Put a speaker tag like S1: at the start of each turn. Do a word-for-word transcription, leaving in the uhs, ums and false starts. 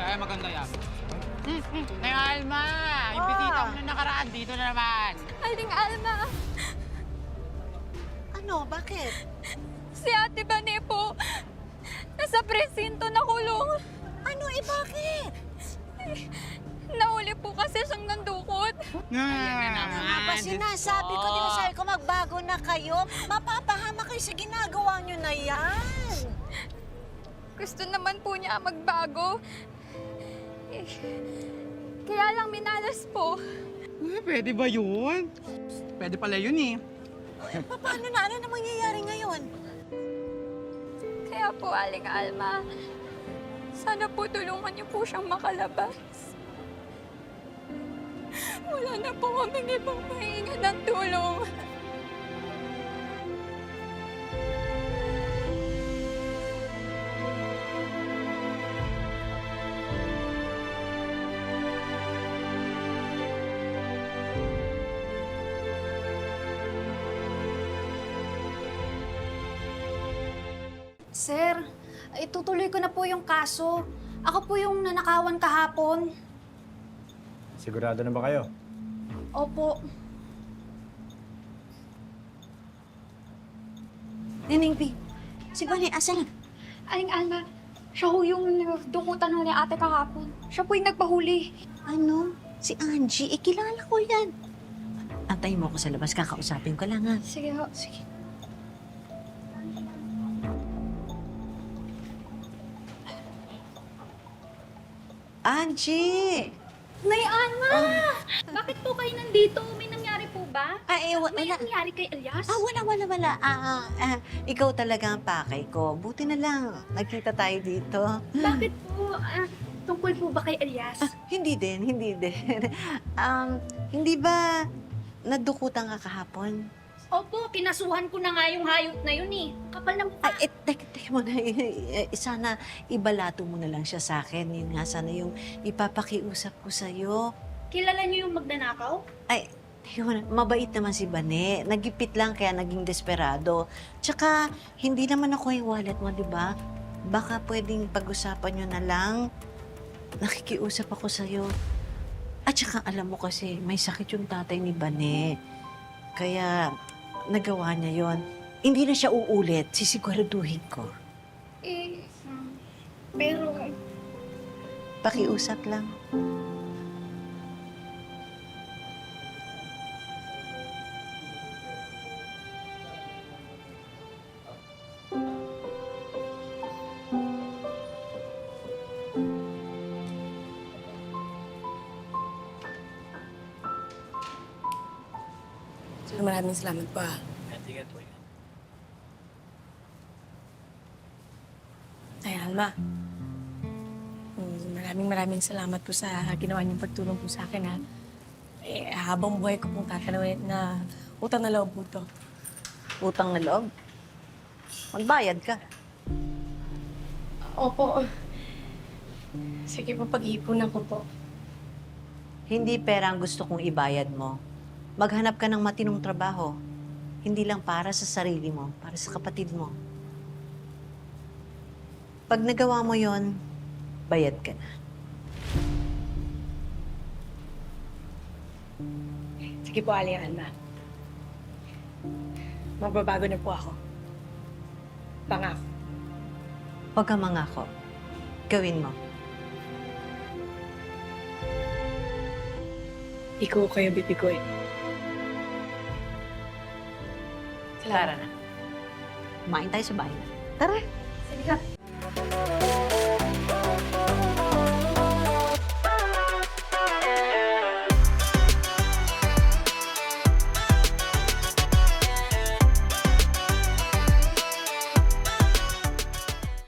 S1: Kaya maganda yan. Hmm, hmm. Nay Alma! Yung bisita mo na nakaraan, dito na naman.
S2: Aling Alma,
S3: Ano? Bakit?
S2: si Ate Bane po, nasa presinto na kulong.
S3: Ano eh, bakit?
S2: Nahuli po kasi siyang nandukot.
S1: Ayan na
S3: Ano
S1: naman.
S3: nga ba
S1: Diyos
S3: sinasabi ko?
S1: ko.
S3: Di ba sabi ko magbago na kayo? Mapapahama kayo sa ginagawa nyo na yan.
S2: Gusto naman po niya magbago. Eh, kaya lang minalas po.
S1: Eh, pwede ba yun? Pwede pala yun eh.
S3: Paano na? Ano na mangyayari ngayon?
S2: Kaya po, Aling Alma, sana po tulungan niyo po siyang makalabas. Wala na po kaming ibang mahinga ng tulong.
S4: Sir, itutuloy ko na po yung kaso. Ako po yung nanakawan kahapon.
S5: Sigurado na ba kayo?
S4: Opo.
S3: Nining B, si Bani, asan?
S2: Aling Alma, siya ho yung dukutan ho ni ate kahapon. Siya po yung nagpahuli.
S3: Ano? Si Angie, ikilala ko yan. Antayin mo ako sa labas, kakausapin ko lang ha.
S2: Sige ho.
S3: Sige. Angie!
S4: Nay Alma! Bakit po kayo nandito? May nangyari po ba?
S3: Ah, eh, wa-
S4: May
S3: wala.
S4: nangyari kay Elias?
S3: Ah, wala, wala, wala. Ah, ah, ah, ikaw talaga ang pakay ko. Buti na lang, nagkita tayo dito.
S4: Bakit po? Ah, tungkol po ba kay Elias?
S3: Hindi din, hindi din. um, hindi ba nadukutan ka kahapon?
S4: Opo, kinasuhan ko na nga yung hayop na yun eh. Kapal na mukha.
S3: Ay, eh, teka, teka mo na. Eh, sana ibalato mo na lang siya sa akin. Yun nga, sana yung ipapakiusap ko sa'yo.
S4: Kilala niyo yung magnanakaw?
S3: Ay, teka mo na. Mabait naman si Bane. Nagipit lang kaya naging desperado. Tsaka, hindi naman ako yung wallet mo, di ba? Baka pwedeng pag-usapan nyo na lang. Nakikiusap ako sa'yo. At tsaka, alam mo kasi, may sakit yung tatay ni Bane. Kaya, nagawa niya yon. Hindi na siya uulit. Sisiguraduhin ko.
S4: Eh, um, pero...
S3: Pakiusap lang.
S6: So, maraming salamat po ah.
S5: Ingat po.
S6: Ay, Alma. Mm, Maraming maraming salamat po sa ginawa niyong pagtulong po sa akin ha. Eh, habang buhay ko pong tatanawin na utang na loob po to.
S3: Utang na loob. Magbayad ka.
S6: Opo. Sige po, pag-iipunan ko po.
S3: Hindi pera ang gusto kong ibayad mo. Maghanap ka ng matinong trabaho. Hindi lang para sa sarili mo, para sa kapatid mo. Pag nagawa mo yon, bayad ka na.
S6: Sige po, Aling Alma. Magbabago na po ako. Pangako.
S3: Huwag kang mangako. Gawin mo.
S6: Ikaw kayo bibiguin.
S3: Tara na. Kumain tayo sa bahay na. Tara.
S6: Sige ka.